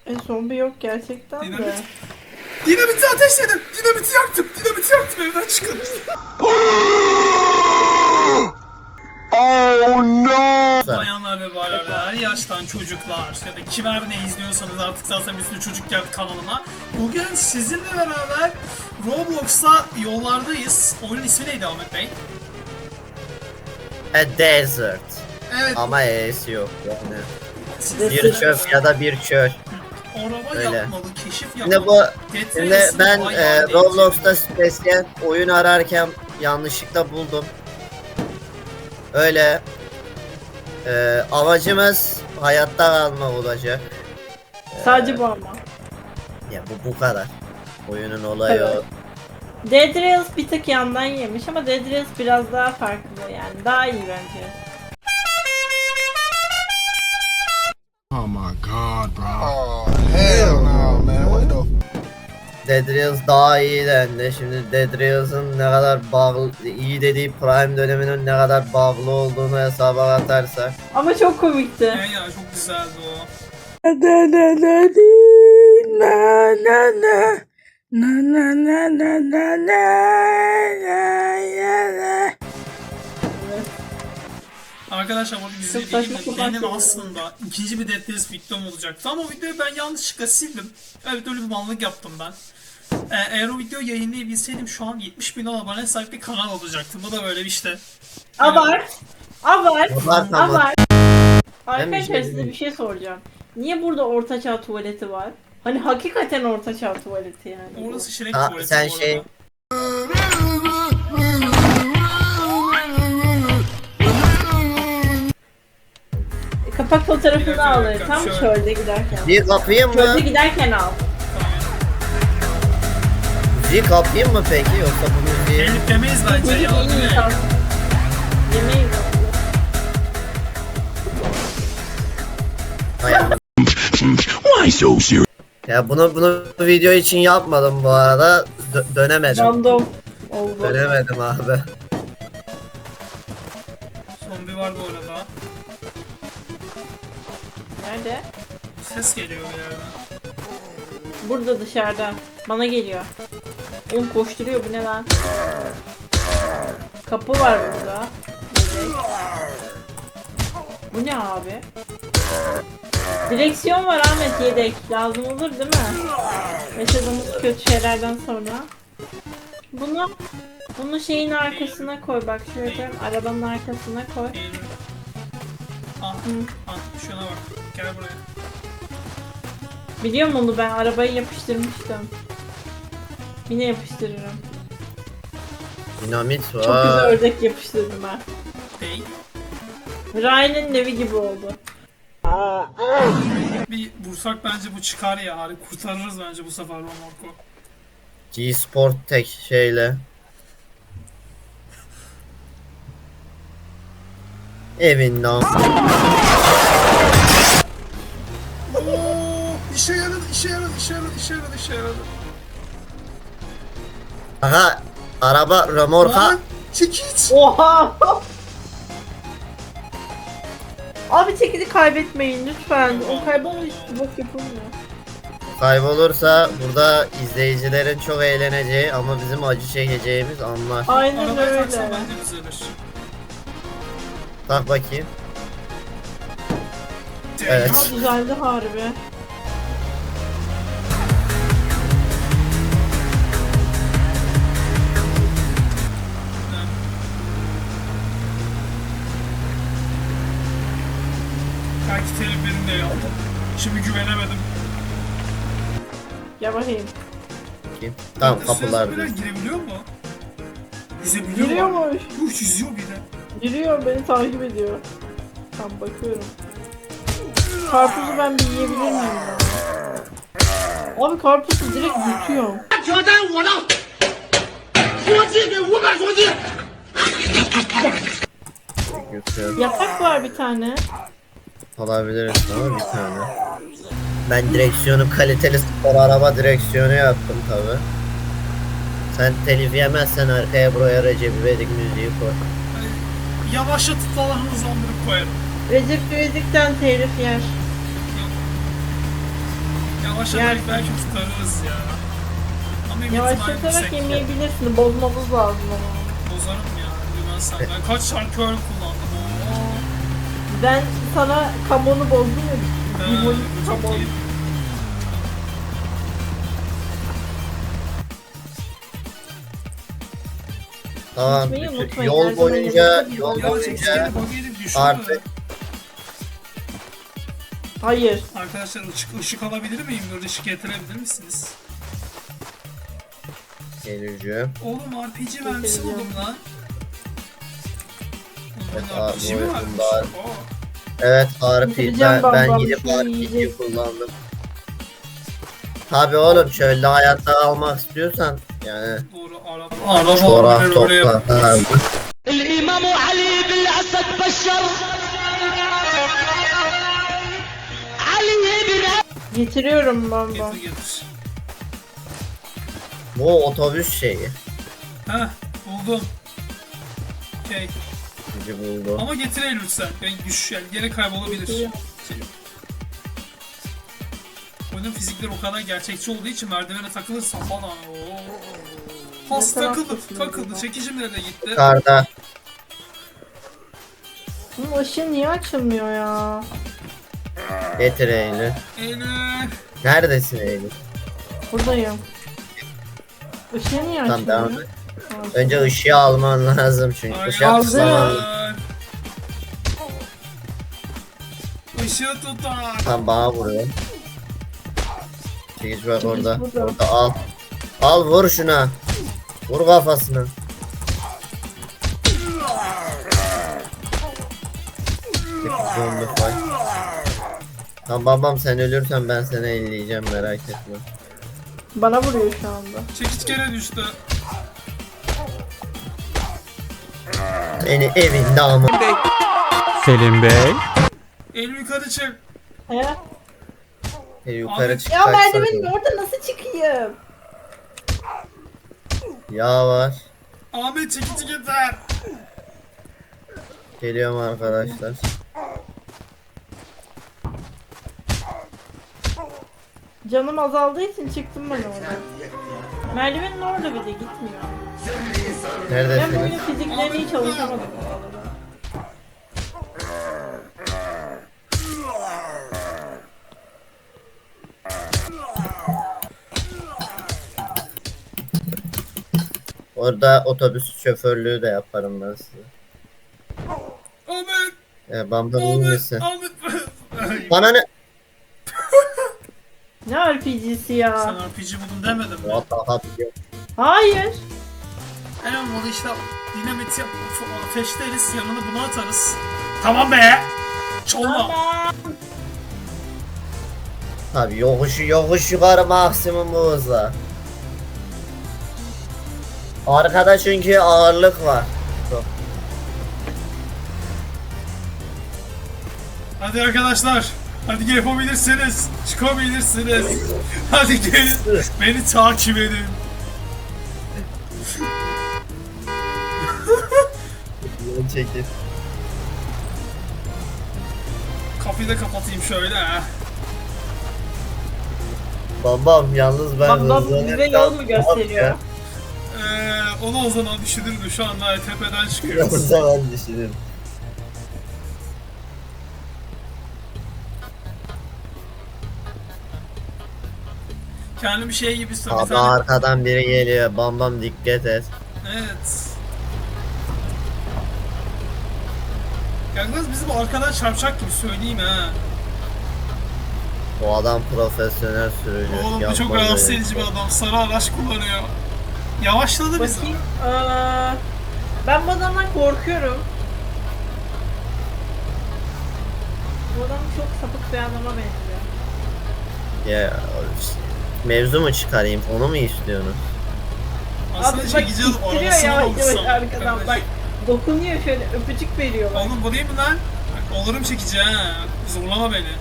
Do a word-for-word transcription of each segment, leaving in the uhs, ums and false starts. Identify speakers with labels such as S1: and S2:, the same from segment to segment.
S1: E zombi yok gerçekten de.
S2: Dinamit. Dinamiti ateşledim. Dinamiti yaktım. Dinamiti yaktım, evden çıkın.
S3: Oh no!
S2: Bayanlar ve baylar, her yaştan çocuklar ya da kimer ne izliyorsanız artık zaten bir sürü çocuk geldi kanalıma. Bugün sizinle beraber Roblox'ta yollardayız. Oyunun ismi neydi Ahmet Bey?
S3: A desert.
S2: Evet.
S3: Ama E'si yok yani.
S2: Siz
S3: Bir çöp ya da bir çöl.
S2: araba
S3: Öyle.
S2: yapmalı, keşif yapmalı.
S3: Şimdi bu,
S2: Dead
S3: şimdi
S2: Race'in
S3: ben
S2: bayağı
S3: e,
S2: eğlenceli.
S3: Roblox'ta spesiyel oyun ararken yanlışlıkla buldum. Öyle. E, amacımız hayatta kalmak olacak.
S1: Sadece bu ama.
S3: Ya bu bu kadar. Oyunun olayı
S1: Evet.
S3: o.
S1: Dead Rails bir tık yandan yemiş ama Dead Rails biraz daha farklı yani. Daha iyi bence.
S4: Oh my god, bro. Oh, hell no, man. What the
S3: Dead Rails daha iyi dendi. Şimdi Dead Rails'ın ne kadar bağlı, iyi dediği Prime döneminin ne kadar bağlı olduğunu hesaba katarsak.
S1: Ama çok komikti.
S2: Ya ya çok güzeldi o.
S1: Na na na na na na na na na na na.
S2: Arkadaşlar bu diziyi
S1: Çok saçma
S2: benim,
S1: sapan
S2: benim
S1: şeyler.
S2: aslında ikinci bir Dead Race videom olacaktı ama o videoyu ben yanlışlıkla sildim. Evet, öyle bir mallık yaptım ben. Ee, eğer o videoyu yayınlayabilseydim şu an yetmiş bin abone sahip bir kanal olacaktım. Bu da böyle bir işte.
S1: Abart. Abart.
S3: Abart ama.
S1: Abart.
S3: Ben bir
S1: Arkadaşlar
S3: şey
S1: size
S3: diyeyim.
S1: bir şey soracağım. Niye burada ortaçağ tuvaleti var? Hani hakikaten ortaçağ tuvaleti yani. bu.
S2: Orası Şirek
S3: Ha,
S2: tuvaleti
S3: sen
S2: bu arada.
S3: şey-
S1: E, Kapak
S2: Bir
S1: fotoğrafını
S2: dakika,
S1: al.
S2: bir dakika,
S1: Tam
S2: şöyle.
S1: çölde giderken.
S3: Bir kapayım mı?
S1: Çölde giderken al.
S3: Müziği kapayım mı peki yoksa bu müziği?
S2: Elif demeyiz bence
S1: Çocuk
S2: ya.
S1: en iyi
S2: Ne?
S1: kalsın. Yemeği yok.
S3: Hay Allah.
S4: Why so serious?
S3: Ya bunu bunu video için yapmadım bu arada. Dö- dönemedim.
S1: Random oldu.
S3: Dönemedim abi.
S2: Zombi var bu arada.
S1: Nerede?
S2: Ses geliyor bir yerden.
S1: Burada dışarıda. Bana geliyor. Oğlum koşturuyor, bu ne lan? Kapı var burada. Bebek. Bu ne abi? Direksiyon var Ahmet, yedek. Lazım olur değil mi? Yaşadığımız kötü şeylerden sonra. Bunu bunu şeyin arkasına koy, bak şöyle arabanın arkasına koy.
S2: Eğilim. Ah,
S1: Hı.
S2: ah şuna bak. Gel buraya.
S1: Biliyor musun onu, ben arabayı yapıştırmıştım. Yine yapıştırırım.
S3: Dinamit
S1: Çok güzel
S3: var.
S1: ördek yapıştırdım ben.
S2: Değil.
S1: Ryan'ın evi gibi oldu.
S2: Bir vursak bence bu çıkar ya. Hani kurtarırız bence bu sefer Romorko.
S3: G-Sport tek şeyle. Evinden.
S2: Oo, işe yaradı, işe yaradı, işe yaradı, işe yaradı, işe yaradı.
S3: Aha araba remorka.
S2: Lan, çekiç.
S1: Oha! Abi çekidi kaybetmeyin lütfen. O kaybolmuş bok yapılmıyor.
S3: Kaybolursa burada izleyicilerin çok eğleneceği ama bizim acı çekeceğimiz anlar.
S1: Aynen
S2: Arabayı taksan
S1: öyle.
S2: bence düzelir.
S3: Tak bakayım. Evet.
S1: Ha düzeldi harbi.
S2: Belki teliflerini de yaptım. Şimdi güvenemedim.
S1: Gel bakayım.
S3: Bakayım. Tamam kapılar
S2: Zombiler
S3: düz.
S2: girebiliyor mu? Yüzebiliyor mu?
S1: Giriyormuş.
S2: Yuh, yüzüyor bir de.
S1: Giriyor, beni takip ediyor. Tam bakıyorum. Karpuzu ben bir yiyebilir miyim ya? Abi karpuzu direkt yutuyorum.
S5: 挑战我的缩气给五百缩气。
S3: Götürüyorum.
S1: Yapak var bir tane.
S3: Alabiliriz ama bir tane. Ben direksiyonu kaliteli spor araba direksiyonu yaptım tabi. Sen telif yemezsen arkaya buraya Recep İvedik müziği koy.
S2: Hani yavaşlatıp falan hızlandırıp koyarım.
S1: Recep İvedik'ten telif yer.
S2: Ya Yavaşlatarak
S1: Yersin.
S2: belki tutarız ya. Ama bir ihtimal
S1: Yavaşlatarak
S2: yüksek.
S1: yemeyebilirsin. Bozmamız lazım ama.
S2: Bozarım ya. Bilmezsem. Ben kaç şarkı öyle kullandım. Oo.
S1: Ben sana kamonu bozdum ya.
S2: Ha,
S1: Limon
S2: çok
S1: kamon.
S2: iyi.
S3: Tamam.
S1: Unutmayın,
S3: bütün-
S1: unutmayın. Her
S3: Yol
S1: zaman
S3: boyunca
S1: yanınızda bir
S3: yol
S1: yol
S2: Ya
S1: boyunca.
S2: çekişleri
S3: boyunca
S2: bug edip düşürme.
S3: artık
S1: Hayır.
S2: Arkadaşlar ışık, ışık alabilir miyim? Böyle ışık getirebilir misiniz?
S3: geleceğim.
S2: Oğlum R P G mermisi buldum lan.
S3: Evet,
S2: Oğlum R P G mi
S3: abi,
S2: varmış?
S3: bunlar-
S2: Oo.
S3: Evet R P
S1: Bitireceğim
S3: ben,
S1: ben
S3: ben
S1: bu
S3: gidip
S1: işi,
S3: R P G
S1: yiyecek.
S3: kullandım. Tabi oğlum şöyle hayatta almak istiyorsan yani
S2: Doğru araba. Araba
S3: çorak
S2: öyle öyle yap.
S3: topla. Ha,
S5: الإمام علي بالأسد بشر علي بن
S1: Getiriyorum ben ben.
S2: Getir getir.
S3: Bu otobüs şeyi.
S2: Heh buldum. Okey.
S3: Bizi buldu.
S2: Ama getir el lütfen. Ben güç yani gene kaybolabilir. Şey yok. Oyunun fizikleri o kadar gerçekçi olduğu için merdivene takılırsan falan. Oo. Has
S1: Ne
S2: takıldı,
S1: taraftasın
S2: takıldı.
S1: acaba?
S2: Çekicim nerede gitti?
S3: Karda.
S1: Bunun ışığı niye açılmıyor ya?
S3: Getir Eylül.
S2: Eylül.
S3: Neredesin Eylül?
S1: Buradayım. Işığı niye
S3: Tamam devam
S1: açılmıyor?
S3: et. Önce ışığı alman lazım çünkü. Işığı
S1: aldım.
S3: atlaman.
S2: Işığı tutar.
S3: Tam bana vuruyor. Çekiç bak orada.
S1: burada.
S3: Orada al. Al vur şuna. Vur kafasına. Zombi fight. Tamam babam sen ölürsen ben seni elleyeceğim merak etme.
S1: Bana vuruyor şu anda.
S2: Çekiç gene düştü.
S3: Seni evinde ama.
S6: Selim Bey.
S2: Eylül yukarı çık.
S1: He?
S3: E, yukarı
S2: Ahmet-
S3: çık.
S1: Ya
S3: kaç
S1: merdivenin
S3: saniye.
S1: orada nasıl çıkayım?
S3: Yağ var.
S2: Ahmet çekici getir.
S3: Geliyorum arkadaşlar.
S1: Canım azaldığı için çıktım ben oradan. Merdivenin orada bir de gitmiyor. Ben bu
S3: Neredesiniz?
S1: oyunun fiziklerini hiç çalışamadım bu arada.
S3: Orada otobüs şoförlüğü de yaparım ben size.
S2: Ahmet.
S3: E, Bamba iyi
S2: Ahmet.
S3: misin?
S2: Ahmet.
S3: Bana ne?
S1: Ne R P G'si
S2: Sen
S1: ya?
S2: R P G buldun demedim mi?
S3: Vallahi biliyorum.
S1: Hayır.
S2: En olmadı işte dinamit yap, ateşleriz, yanına bunu atarız. Tamam be! Çalma!
S3: Tabii yokuş yokuş yukarı maksimum bu hızla. Arkada çünkü ağırlık var. Çok.
S2: Hadi arkadaşlar, hadi yapabilirsiniz, çıkabilirsiniz. Hadi gelin, beni takip edin.
S3: Yol çekil.
S2: Kapıyı da kapatayım şöyle ha.
S3: Babam yalnız ben
S1: Bak bak
S3: hızlanırken-
S1: bize yol mu gösteriyor?
S2: Ee, onu o zaman düşünürüm şu anda tepeden çıkıyoruz.
S3: Yalnız ben düşünürüm.
S2: Kendimi şey gibi istiyorum. bir
S3: Abi
S2: tane-
S3: arkadan biri geliyor. Bam bam dikkat et.
S2: Evet. Yalnız bizim arkadan çarpacak gibi söyleyeyim ha.
S3: O adam profesyonel sürücü.
S2: Oğlum bu çok
S3: Yapma
S2: rahatsız
S3: böyle.
S2: edici bir adam. Sarı araç kullanıyor. Yavaşladı bizi.
S1: Bakayım. Aa, ben bu adamdan korkuyorum. Bu adam çok sapık bir adama benziyor.
S3: Ya mevzu mu çıkarayım? Onu mu istiyorsunuz?
S2: Aslında
S1: Abi bak
S2: çekici alıp
S1: ittiriyor
S2: arabasına
S1: yavaş
S2: olsam.
S1: yavaş arkadan bak. Dokunuyor şöyle öpücük veriyor bak.
S2: Oğlum bu değil mi lan? Bak, olurum çekici ha. Zorlama beni.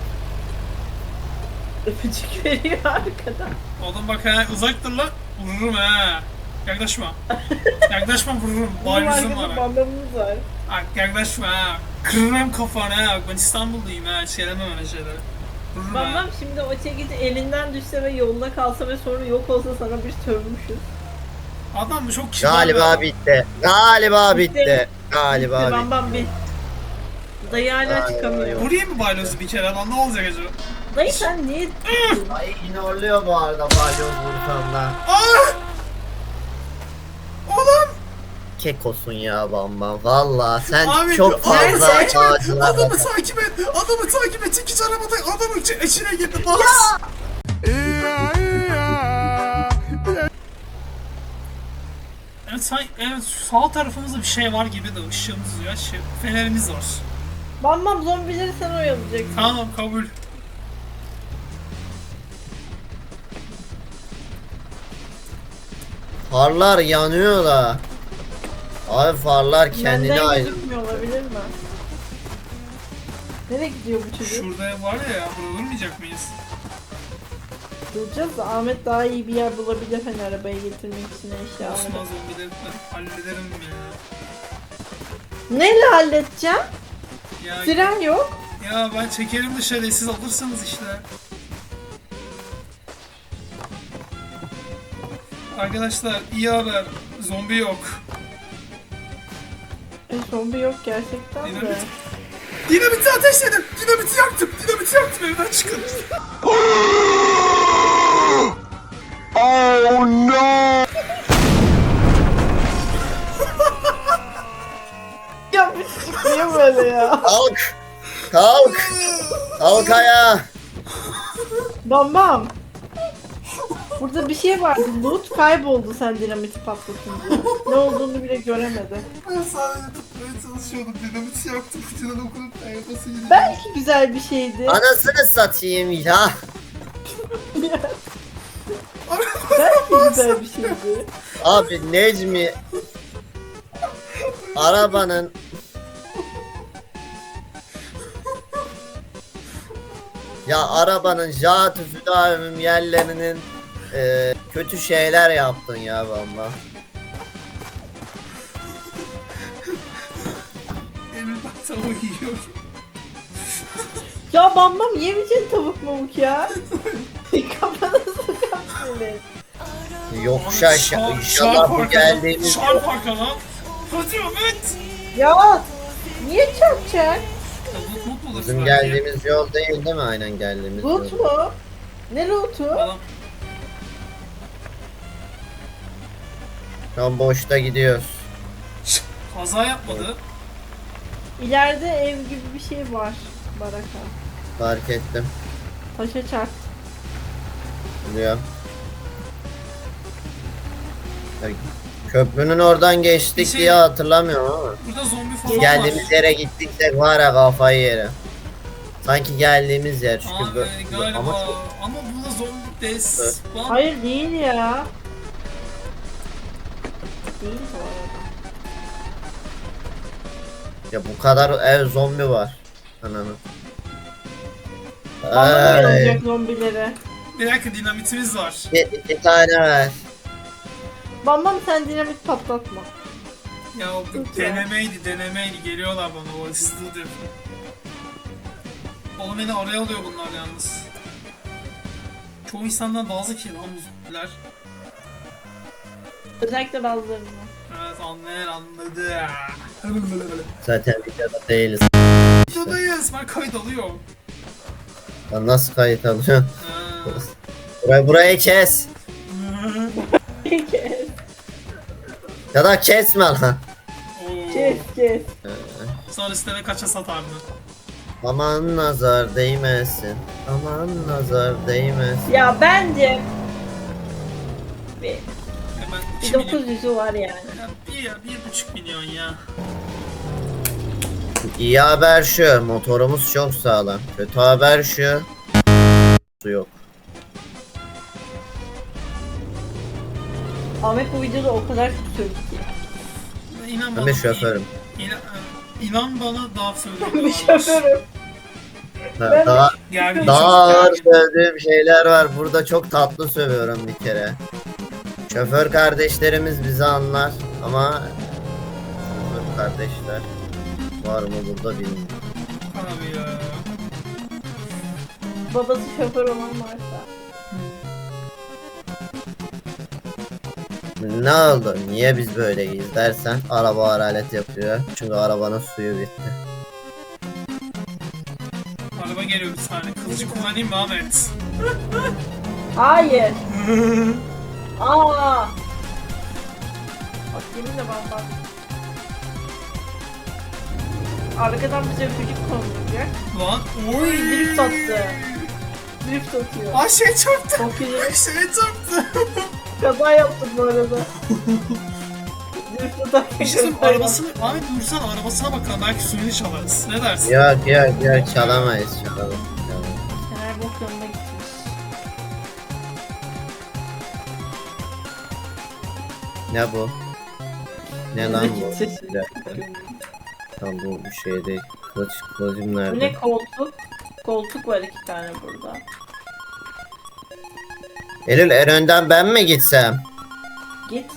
S1: Öpücük veriyor arkadan.
S2: Oğlum bak ha uzak dur lan. Vururum ha. Yaklaşma. Yaklaşma vururum.
S1: Bizim
S2: Balyozum var.
S1: arkada
S2: ha.
S1: bandamımız var.
S2: Bak yaklaşma ha. Kırırım kafanı ha. Bak ben İstanbul'dayım ha. Söylemem öyle şeyleri. Vurur
S1: Bam
S2: ha.
S1: bam şimdi o çekici elinden düşse ve yolda kalsa ve sonra yok olsa sana bir sövmüşüz.
S2: Adam bu çok kibar bir
S3: Galiba
S2: adam.
S3: bitti. Galiba
S1: Bitti.
S3: bitti. Galiba
S1: Bitti, bam
S3: bitti.
S1: bam bit. Dayı hala
S3: Ay,
S1: çıkamıyor.
S2: Vurayım mı baylozu bir kere lan, ne olacak acaba?
S1: Dayı sen niye
S3: Ay ignorluyor bu arada balyoz vursam da.
S2: Aa! Oğlum!
S3: Kekosun ya Bam Bam. Valla sen
S2: Abi,
S3: çok
S2: adamı
S3: fazla
S2: takip et!
S3: ağacılar.
S2: Adamı takip et! Adamı takip et! Çekici arabada adamın içi- içine girdi, bas! Evet, say, evet, sağ tarafımızda bir şey var gibi de ışığımız ya, şey, fenerimiz var.
S1: Bam bam zombileri sen oyalayacaksın.
S2: Tamam, kabul.
S3: Farlar yanıyor da. Abi farlar kendine
S1: Benden
S3: ait.
S1: gözükmüyor olabilir mi? Nereye gidiyor bu çocuk?
S2: Şurada var ya, burada durmayacak mıyız?
S1: Duracağız da Ahmet daha iyi bir yer bulabilir hani arabaya getirmek için eşyaları.
S2: Osman zombileri ben hallederim ya.
S1: Neyle halledeceğim?
S2: Ya,
S1: Fren yok.
S2: ya ben çekerim dışarı, siz alırsanız işte. Arkadaşlar iyi haber, zombi yok.
S1: E zombi yok gerçekten de.
S2: Dinamit. Dinamiti ateşledim, dinamiti yaktım, dinamiti yaktım, evden çıkın.
S4: Oh no!
S1: Ya bu çocuk niye böyle ya?
S3: Kalk. Kalk. Kalk ayağa.
S1: Bam bam. Burada bir şey vardı. Loot kayboldu sen dinamiti patlatınca. Ne olduğunu bile göremedi.
S2: Ben sadece tutmaya çalışıyordum, dinamiti yaktım, fırtına dokunup ayakası gidiyor.
S1: Belki güzel bir şeydi.
S3: Anasını satayım ya.
S1: Belki güzel bir şeydi.
S3: Abi Necmi arabanın ya arabanın jantı füdavim yerlerinin e, kötü şeyler yaptın ya valla.
S2: Elimden tavuğu yiyorum.
S1: Ya bam bam yemeyeceksin tavuk mamuk ya. Kafana sokar seni.
S3: Yokuş aşağı inşallah bu geldiğimiz
S2: Şarp arkadan. Hadi Ahmet.
S1: Ya niye çarpacak?
S2: Ya loot loot bulursun
S3: bizim
S2: belki.
S3: geldiğimiz yol değil değil mi? Aynen geldiğimiz yol.
S1: Loot mu? Ne lootu?
S2: Adam
S3: Şu an boşta gidiyoruz.
S2: Şşt, kaza yapmadı.
S1: İleride ev gibi bir şey var. Baraka.
S3: Fark ettim.
S1: Taşa çarp.
S3: Biliyorum. Ya, köprünün oradan geçtik
S2: Bir şey-
S3: diye hatırlamıyorum ama.
S2: Burada zombi falan var.
S3: Geldiğimiz yere gittiksek var ya kafayı yerim. Sanki geldiğimiz yer çünkü
S2: Abi
S3: bu-
S2: galiba
S3: ama
S2: ama, burada zombi des.
S3: Evet.
S2: Lan,
S1: Hayır değil ya. Değil bu arada.
S3: ya bu kadar ev zombi var. Ananı.
S1: Bana da
S3: Ay,
S1: oynayacak zombileri.
S2: bir dakika, dinamitimiz var.
S3: bir, iki tane ver.
S1: Bam bam sen dinamit patlatma.
S2: Ya bu
S1: Lütfen.
S2: denemeydi denemeydi, geliyorlar bana, o hızlı diyor. Oğlum beni araya alıyor bunlar yalnız. Çoğu insandan daha zeki lan bu zombiler.
S1: Özellikle bazılarını.
S2: Evet, anlayan anladı.
S3: Zaten videoda değiliz. İşte.
S2: Videodayız, ben kayıt alıyorum.
S3: Lan nasıl kayıt alıyorsun?
S2: Ha.
S3: Burayı, burayı kes. Ya da kesme lan.
S2: Oo.
S1: Kes kes.
S2: Sonra istene kaça satardı.
S3: Aman nazar değmesin. Aman nazar değmesin.
S1: Ya bence bir,
S2: Hemen
S1: bir
S2: iki milyon.
S1: dokuz yüzü var yani.
S2: Ya bir, ya, bir buçuk milyon ya.
S3: İyi haber şu, motorumuz çok sağlam. Kötü haber şu, su yok.
S1: Ahmet bu videoda o kadar çok söyledi ki.
S2: İnan
S3: Ben
S2: bana.
S3: de şoförüm.
S2: İnan, inan bana daha
S1: Ben bir
S2: söylüyorum.
S1: şoförüm.
S3: Da-
S1: Ben-
S3: daha
S2: Gergin
S3: daha
S2: çocuk,
S3: ağır
S2: gergin.
S3: sövdüğüm şeyler var. Burada çok tatlı sövüyorum bir kere. Şoför kardeşlerimiz bizi anlar ama şoför kardeşler var mı burada bilmiyorum.
S2: Abi ya.
S1: babası şoför olan varsa.
S3: Ne oldu? Niye biz böyleyiz dersen araba hararet yapıyor. Çünkü arabanın suyu bitti.
S2: Araba geliyor bir saniye. Kılıcı kullanayım mı Ahmet?
S1: Hayır. Aa. Bak yeminle ben bak. Arkadan bize öpücük konulacak.
S2: Lan
S1: Oy
S2: oy.
S1: drift attı. Drift atıyor.
S2: Aa şey çarptı.
S1: Çok iyi.
S2: Şey çarptı.
S1: Kaza yaptım bu arada. Drift atarken
S2: Bir şey söyleyeyim,
S1: kaza
S2: arabasını, Ahmet dursana arabasına bakalım belki suyunu çalarız. Ne dersin?
S3: Yok yok yok çalamayız çalamayız. çalamayız.
S1: Fener bok yoluna gitmiş.
S3: Ne bu? Ne lan bu?
S1: Sesi.
S3: Bir dakika. Tam bu bir şey değil. Kılıç, kılıcım
S1: Bu
S3: nerede?
S1: ne koltuk? Koltuk var iki tane burada.
S3: Eylül en önden ben mi gitsem?
S1: Git.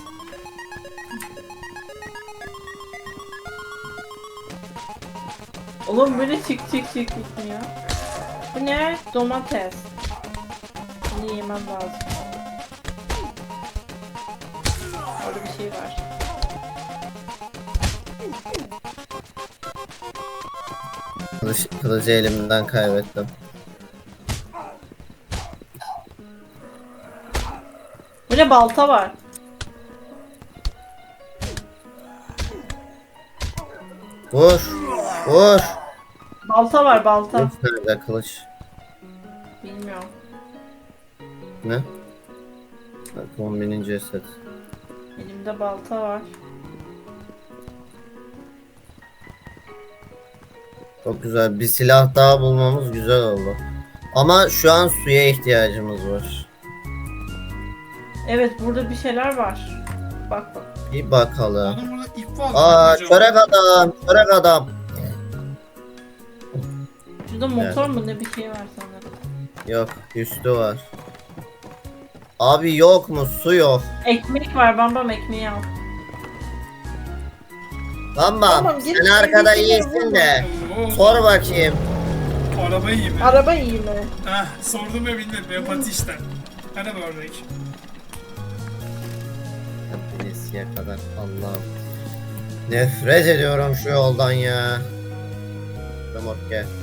S1: Oğlum böyle çık çık çık gitmiyor. Bu ne? Domates. Bunu yemem lazım. Orada bir şey var.
S3: Kılıç, kılıcı elimden kaybettim.
S1: Bu ne? Balta var.
S3: Vur! Vur!
S1: Balta var balta.
S3: Kılıç nerede kılıç?
S1: Bilmiyorum.
S3: Ne? Bak kombinin ceset.
S1: Elimde balta var.
S3: Çok güzel. Bir silah daha bulmamız güzel oldu. Ama şu an suya ihtiyacımız var.
S1: Evet burada bir şeyler var. Bak bak.
S3: Bir bakalım.
S2: Oğlum burada ip var.
S3: Aa
S2: Bakmayacağım.
S3: çörek adam, çörek adam.
S1: Şurada motor mu ne bir şey var sanırım.
S3: Yok, üstü var. Abi yok mu? Su yok.
S1: Ekmek var bambam ekmeği al.
S3: Tamam.
S1: Tamam, git,
S3: Sen arkada
S1: git,
S3: iyisin
S1: vurma.
S3: de.
S2: Oo,
S3: Sor bakayım.
S2: Araba iyi mi?
S1: Araba iyi mi?
S2: Heh, sordum ve bildim. Empati işte. Hadi bir örnek.
S3: Bilesiye kadar Allah'ım. Nefret ediyorum şu yoldan ya. Remork gel.